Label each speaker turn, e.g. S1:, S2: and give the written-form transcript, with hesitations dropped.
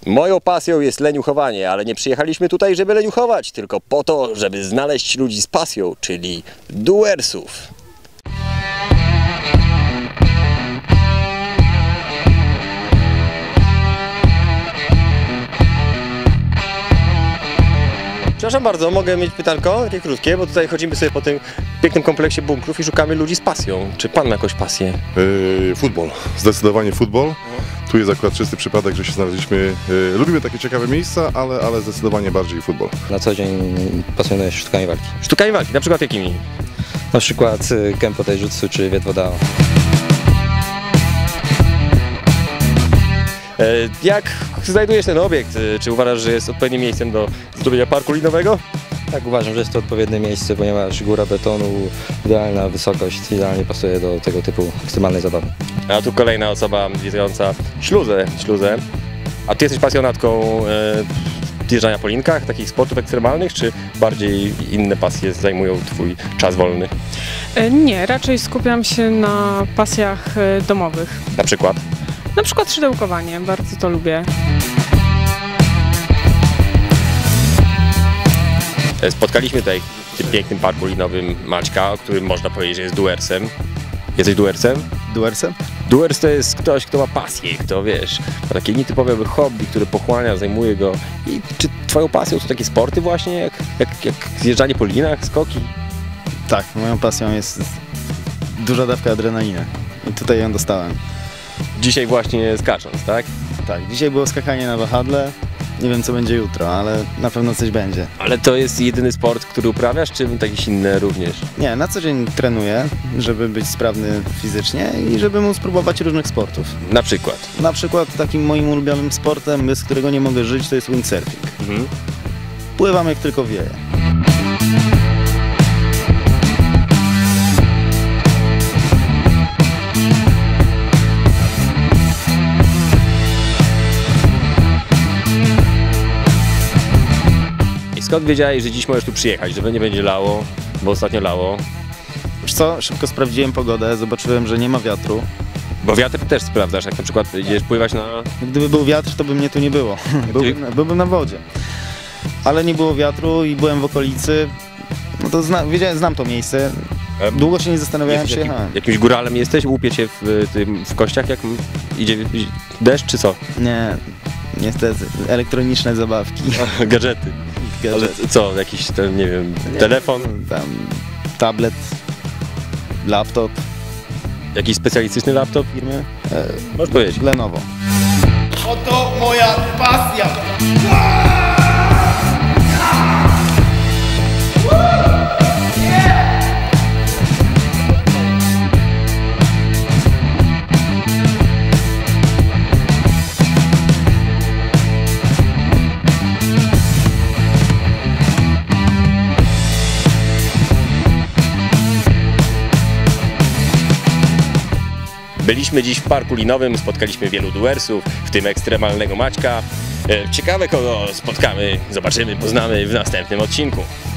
S1: Moją pasją jest leniuchowanie, ale nie przyjechaliśmy tutaj, żeby leniuchować, tylko po to, żeby znaleźć ludzi z pasją, czyli doersów. Przepraszam bardzo, mogę mieć pytanko, takie krótkie, bo tutaj chodzimy sobie po tym pięknym kompleksie bunkrów i szukamy ludzi z pasją. Czy pan ma jakąś pasję?
S2: Futbol, zdecydowanie futbol. Tu jest akurat czysty przypadek, że się znaleźliśmy. Lubimy takie ciekawe miejsca, ale zdecydowanie bardziej futbol.
S3: Na co dzień pasjonuję się sztukami walki.
S1: Sztukami walki, na przykład jakimi?
S3: Na przykład Kempo Taijutsu czy Viet Vo Dao.
S1: Jak znajdujesz ten obiekt? Czy uważasz, że jest odpowiednim miejscem do zrobienia parku linowego?
S3: Tak, uważam, że jest to odpowiednie miejsce, ponieważ góra betonu, idealna wysokość, idealnie pasuje do tego typu ekstremalnej zabawy.
S1: A tu kolejna osoba wiedzająca śluzę. A ty jesteś pasjonatką jeżdżania po linkach, takich sportów ekstremalnych, czy bardziej inne pasje zajmują twój czas wolny?
S4: Nie, raczej skupiam się na pasjach domowych.
S1: Na przykład?
S4: Na przykład szydełkowanie, bardzo to lubię.
S1: Spotkaliśmy tutaj w tym pięknym parku linowym Maćka, o którym można powiedzieć, że jest doersem. Jesteś doersem?
S5: Doersem?
S1: Doers to jest ktoś, kto ma pasję, kto wiesz, ma takie nietypowe hobby, które pochłania, zajmuje go. I czy twoją pasją są takie sporty właśnie, jak zjeżdżanie po linach, skoki?
S5: Tak, moją pasją jest duża dawka adrenaliny i tutaj ją dostałem.
S1: Dzisiaj właśnie skacząc, tak?
S5: Tak, dzisiaj było skakanie na wahadle, nie wiem co będzie jutro, ale na pewno coś będzie.
S1: Ale to jest jedyny sport, który uprawiasz, czy jakieś inne również?
S5: Nie, na co dzień trenuję, żeby być sprawny fizycznie i żeby móc spróbować różnych sportów.
S1: Na przykład?
S5: Na przykład takim moim ulubionym sportem, bez którego nie mogę żyć, to jest windsurfing. Pływam jak tylko wieje.
S1: Skąd wiedziałeś, że dziś możesz tu przyjechać, że nie będzie lało, bo ostatnio lało?
S5: Wiesz co, szybko sprawdziłem pogodę, zobaczyłem, że nie ma wiatru.
S1: Bo wiatr też sprawdzasz, jak na przykład idziesz pływać na...
S5: Gdyby był wiatr, to by mnie tu nie było. Byłbym na wodzie. Ale nie było wiatru i byłem w okolicy, no to znam to miejsce. Długo się nie zastanawiałem, przyjechałem.
S1: Jakimś góralem jesteś? Łupie cię w kościach, jak idzie deszcz, czy co?
S5: Nie, niestety. Elektroniczne zabawki.
S1: Gadżety. Ale co, jakiś, nie wiem, telefon?
S5: Tam tablet, laptop.
S1: Jakiś specjalistyczny laptop?
S5: Firmy?
S1: Możesz powiedzieć.
S5: Lenovo.
S6: Oto moja pasja!
S1: Byliśmy dziś w parku linowym, spotkaliśmy wielu doersów, w tym ekstremalnego Maćka. Ciekawe, kogo spotkamy, zobaczymy, poznamy w następnym odcinku.